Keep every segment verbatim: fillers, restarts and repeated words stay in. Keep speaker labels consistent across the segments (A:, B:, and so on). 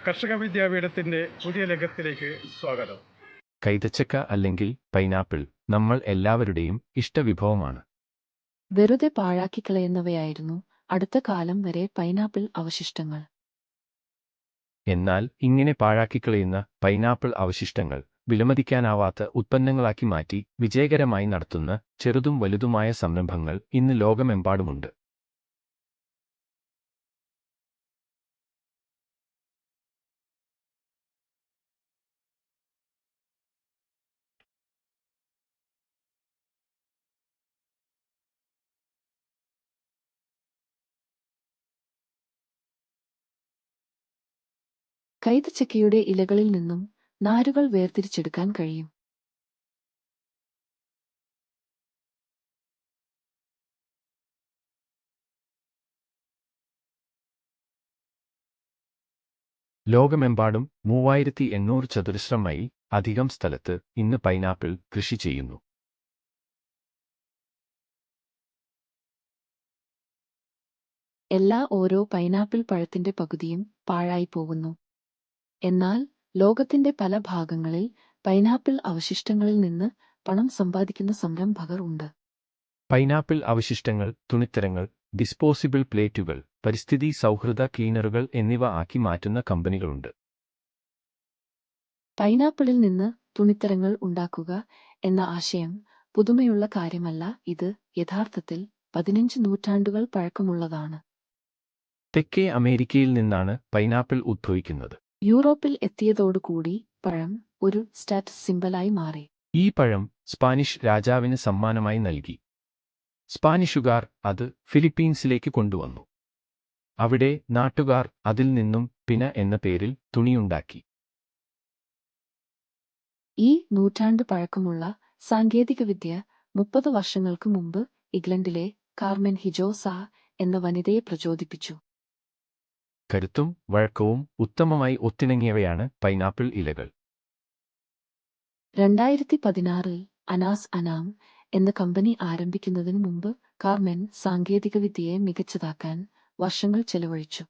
A: കർഷക വിദ്യാപീഠത്തിന്റെ പുതിയ ലേഖത്തിലേക്ക് സ്വാഗതം.
B: കൈതച്ചക്ക അല്ലെങ്കിൽ പൈനാപ്പിൾ നമ്മൾ എല്ലാവരുടെയും ഇഷ്ടവിഭവമാണ്.
C: വെറുതെ പാഴാക്കിക്കളയുന്നവയായിരുന്നു അടുത്ത കാലം വരെ പൈനാപ്പിൾ അവശിഷ്ടങ്ങൾ.
B: എന്നാൽ ഇങ്ങനെ പാഴാക്കിക്കളയുന്ന പൈനാപ്പിൾ അവശിഷ്ടങ്ങൾ വിലമതിക്കാനാവാത്ത ഉൽപ്പന്നങ്ങളാക്കി മാറ്റി വിജയകരമായി നടത്തുന്ന ചെറുതും വലുതുമായ സംരംഭങ്ങൾ ഇന്ന് ലോകമെമ്പാടുമുണ്ട്.
C: കൈതച്ചക്കയുടെ ഇലകളിൽ നിന്നും നാരുകൾ വേർതിരിച്ചെടുക്കാൻ കഴിയും.
B: ലോകമെമ്പാടും മൂവായിരത്തി എണ്ണൂറ് ചതുരശ്ര മൈൽ അധികം സ്ഥലത്ത് ഇന്ന് പൈനാപ്പിൾ കൃഷി ചെയ്യുന്നു.
C: എല്ലാ ഓരോ പൈനാപ്പിൾ പഴത്തിന്റെ പകുതിയും പാഴായി പോകുന്നു. എന്നാൽ ലോകത്തിന്റെ പല ഭാഗങ്ങളിൽ പൈനാപ്പിൾ അവശിഷ്ടങ്ങളിൽ നിന്ന് പണം സമ്പാദിക്കുന്ന സംരംഭകർ ഉണ്ട്.
B: പൈനാപ്പിൾ അവശിഷ്ടങ്ങൾ തുണിത്തരങ്ങൾ, ഡിസ്പോസിബിൾ പ്ലേറ്റുകൾ, പരിസ്ഥിതി സൗഹൃദ ക്ലീനറുകൾ എന്നിവ ആക്കി മാറ്റുന്ന കമ്പനികളുണ്ട്.
C: പൈനാപ്പിളിൽ നിന്ന് തുണിത്തരങ്ങൾ ഉണ്ടാക്കുക എന്ന ആശയം പുതുമയുള്ള കാര്യമല്ല. ഇത് യഥാർത്ഥത്തിൽ പതിനഞ്ച് നൂറ്റാണ്ടുകൾ പഴക്കമുള്ളതാണ്.
B: തെക്കേ അമേരിക്കയിൽ നിന്നാണ് പൈനാപ്പിൾ ഉദ്ഭവിക്കുന്നത്.
C: യൂറോപ്പിൽ എത്തിയതോടുകൂടി പഴം ഒരു സ്റ്റാറ്റസ് സിംബലായി മാറി.
B: ഈ പഴം സ്പാനിഷ് രാജാവിന് സമ്മാനമായി നൽകി. സ്പാനിഷുകാർ അത് ഫിലിപ്പീൻസിലേക്ക് കൊണ്ടുവന്നു. അവിടെ നാട്ടുകാർ അതിൽ നിന്നും പിന എന്ന പേരിൽ തുണിയുണ്ടാക്കി.
C: ഈ നൂറ്റാണ്ട് പഴക്കമുള്ള സാങ്കേതികവിദ്യ മുപ്പത് വർഷങ്ങൾക്ക് മുമ്പ് ഇംഗ്ലണ്ടിലെ കാർമെൻ ഹിജോസ എന്ന വനിതയെ പ്രചോദിപ്പിച്ചു.
B: കരുത്തും വഴക്കവും ഉത്തമമായി ഒത്തിണങ്ങിയവയാണ് പൈനാപ്പിൾ ഇലകൾ.
C: രണ്ടായിരത്തി പതിനാറിൽ അനാസ് അനാം എന്ന കമ്പനി ആരംഭിക്കുന്നതിന് മുമ്പ് കാർമെൻ സാങ്കേതികവിദ്യയെ മികച്ചതാക്കാൻ വർഷങ്ങൾ ചെലവഴിച്ചു.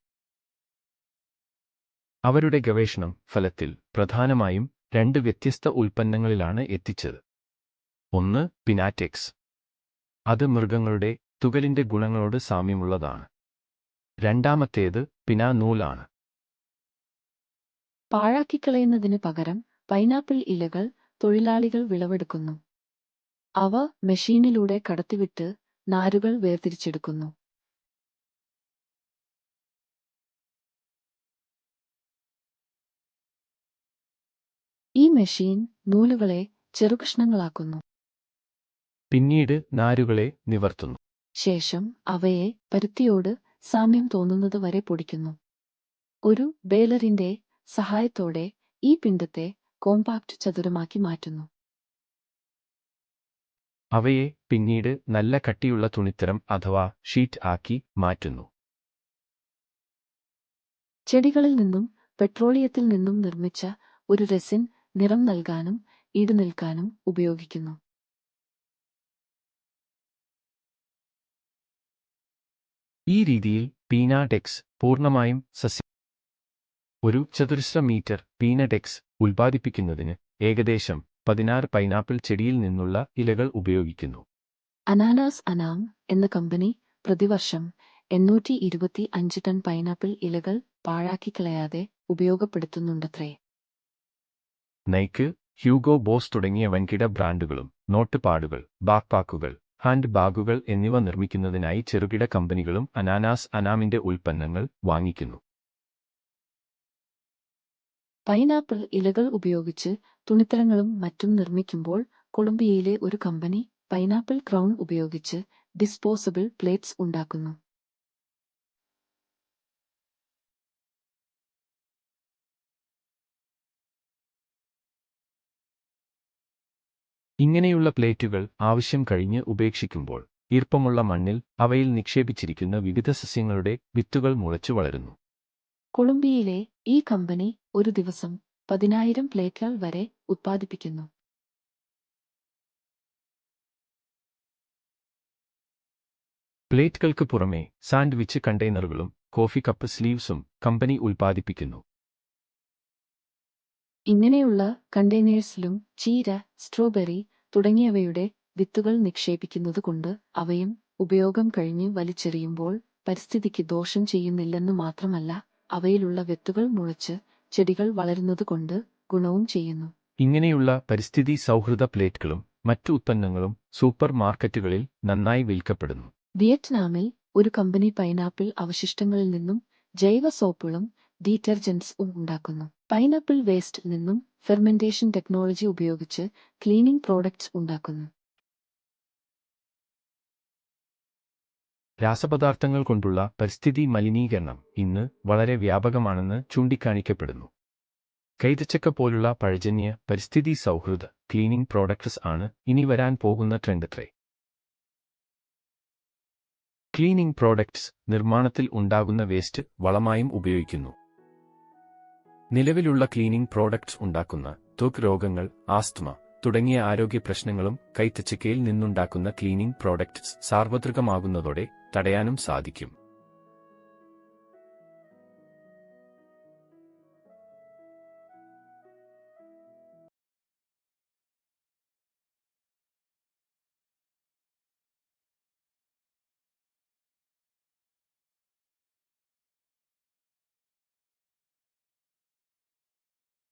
B: അവരുടെ ഗവേഷണം ഫലത്തിൽ പ്രധാനമായും രണ്ട് വ്യത്യസ്ത ഉൽപ്പന്നങ്ങളിലാണ് എത്തിച്ചത്. ഒന്ന് പിനാറ്റെക്സ്. അത് മൃഗങ്ങളുടെ തുകലിന്റെ ഗുണങ്ങളോട് സാമ്യമുള്ളതാണ്. രണ്ടാമത്തേത് പിനാ നൂലാണ്.
C: പാഴാക്കിക്കളയുന്നതിന് പകരം പൈനാപ്പിൾ ഇലകൾ തൊഴിലാളികൾ വിളവെടുക്കുന്നു. അവ മെഷീനിലൂടെ കടത്തിവിട്ട് നാരുകൾ വേർതിരിച്ചെടുക്കുന്നു. ഈ മെഷീൻ നൂലുകളെ ചെറുകഷ്ണങ്ങളാക്കുന്നു.
B: പിന്നീട് നാരുകളെ നിവർത്തുന്നു.
C: ശേഷം അവയെ പരുത്തിയോട് സാമ്യം തോന്നുന്നത് വരെ പൊടിക്കുന്നു. ഒരു ബേലറിന്റെ സഹായത്തോടെ ഈ പിണ്ഡത്തെ കോമ്പാക്ട് ചതുരമാക്കി മാറ്റുന്നു.
B: അവയെ പിന്നീട് നല്ല കട്ടിയുള്ള തുണിത്തരം അഥവാ ഷീറ്റ് ആക്കി മാറ്റുന്നു.
C: ചെടികളിൽ നിന്നും പെട്രോളിയത്തിൽ നിന്നും നിർമ്മിച്ച ഒരു റെസിൻ നിറം നൽകാനും ഈടുനിൽക്കാനും ഉപയോഗിക്കുന്നു.
B: ഈ രീതിയിൽ പീനാടെക്സ് പൂർണ്ണമായും സസ്യ ഒരു ചതുരശ്ര മീറ്റർ പീനടെക്സ് ഉൽപ്പാദിപ്പിക്കുന്നതിന് ഏകദേശം പതിനാറ് പൈനാപ്പിൾ ചെടിയിൽ നിന്നുള്ള ഇലകൾ ഉപയോഗിക്കുന്നു.
C: അനാനാസ് അനാം എന്ന കമ്പനി പ്രതിവർഷം എണ്ണൂറ്റി ഇരുപത്തി അഞ്ച് ടൺ പൈനാപ്പിൾ ഇലകൾ പാഴാക്കിക്കളയാതെ ഉപയോഗപ്പെടുത്തുന്നുണ്ടത്രേ.
B: നൈക്ക്, ഹ്യൂഗോ ബോസ് തുടങ്ങിയ വൻകിട ബ്രാൻഡുകളും നോട്ടുപാടുകൾ, ബാക്ക്പാക്കുകൾ, ഹാൻഡ് ബാഗുകൾ എന്നിവ നിർമ്മിക്കുന്നതിനായി ചെറുകിട കമ്പനികളും അനാനാസ് അനാമിന്റെ ഉൽപ്പന്നങ്ങൾ വാങ്ങിക്കുന്നു.
C: പൈനാപ്പിൾ ഇലകൾ ഉപയോഗിച്ച് തുണിത്തരങ്ങളും മറ്റും നിർമ്മിക്കുമ്പോൾ കൊളംബിയയിലെ ഒരു കമ്പനി പൈനാപ്പിൾ ക്രൗൺ ഉപയോഗിച്ച് ഡിസ്പോസബിൾ പ്ലേറ്റ്സ് ഉണ്ടാക്കുന്നു.
B: ഇങ്ങനെയുള്ള പ്ലേറ്റുകൾ ആവശ്യം കഴിഞ്ഞ് ഉപേക്ഷിക്കുമ്പോൾ ഈർപ്പമുള്ള മണ്ണിൽ അവയിൽ നിക്ഷേപിച്ചിരിക്കുന്ന വിവിധ സസ്യങ്ങളുടെ വിത്തുകൾ മുളച്ചു വളരുന്നു.
C: കൊളംബിയയിലെ ഈ കമ്പനി ഒരു ദിവസം പതിനായിരം പ്ലേറ്റുകൾ വരെ ഉത്പാദിപ്പിക്കുന്നു.
B: പ്ലേറ്റുകൾക്ക് പുറമെ സാൻഡ്വിച്ച് കണ്ടെയ്നറുകളും കോഫി കപ്പ് സ്ലീവ്സും കമ്പനി ഉൽപ്പാദിപ്പിക്കുന്നു.
C: ഇങ്ങനെയുള്ള കണ്ടെയ്നേഴ്സിലും ചീര, സ്ട്രോബെറി തുടങ്ങിയവയുടെ വിത്തുകൾ നിക്ഷേപിക്കുന്നതുകൊണ്ട് അവയും ഉപയോഗം കഴിഞ്ഞ് വലിച്ചെറിയുമ്പോൾ പരിസ്ഥിതിക്ക് ദോഷം ചെയ്യുന്നില്ലെന്ന് മാത്രമല്ല, അവയിലുള്ള വിത്തുകൾ മുളച്ച് ചെടികൾ വളരുന്നതുകൊണ്ട് ഗുണവും ചെയ്യുന്നു.
B: ഇങ്ങനെയുള്ള പരിസ്ഥിതി സൗഹൃദ പ്ലേറ്റുകളും മറ്റു ഉത്പന്നങ്ങളും സൂപ്പർ മാർക്കറ്റുകളിൽ നന്നായി വിൽക്കപ്പെടുന്നു.
C: വിയറ്റ്നാമിൽ ഒരു കമ്പനി പൈനാപ്പിൾ അവശിഷ്ടങ്ങളിൽ നിന്നും ജൈവ സോപ്പുകളും ഡീറ്റർജന്റ്സും ഉണ്ടാക്കുന്നു. പൈനാപ്പിൾ വേസ്റ്റിൽ നിന്നും ഫെർമെന്റേഷൻ ടെക്നോളജി ഉപയോഗിച്ച് ക്ലീനിംഗ് പ്രോഡക്ട്സ് ഉണ്ടാക്കുന്നു.
B: രാസപദാർത്ഥങ്ങൾ കൊണ്ടുള്ള പരിസ്ഥിതി മലിനീകരണം ഇന്ന് വളരെ വ്യാപകമാണെന്ന് ചൂണ്ടിക്കാണിക്കപ്പെടുന്നു. കൈതച്ചക്ക പോലുള്ള പഴജന്യ പരിസ്ഥിതി സൗഹൃദ ക്ലീനിംഗ് പ്രോഡക്ട്സ് ആണ് ഇനി വരാൻ പോകുന്ന ട്രെൻഡത്രേ. ക്ലീനിംഗ് പ്രോഡക്ട്സ് നിർമ്മാണത്തിൽ ഉണ്ടാകുന്ന വേസ്റ്റ് വളമായും ഉപയോഗിക്കുന്നു. നിലവിലുള്ള ക്ലീനിംഗ് പ്രോഡക്ട്സ് ഉണ്ടാക്കുന്ന ത്വക്ക് രോഗങ്ങൾ, ആസ്ത്മ തുടങ്ങിയ ആരോഗ്യ പ്രശ്നങ്ങളും കൈതച്ചക്കയിൽ നിന്നുണ്ടാക്കുന്ന ക്ലീനിംഗ് പ്രോഡക്ട്സ് സാർവത്രികമാകുന്നതോടെ തടയാനും സാധിക്കും.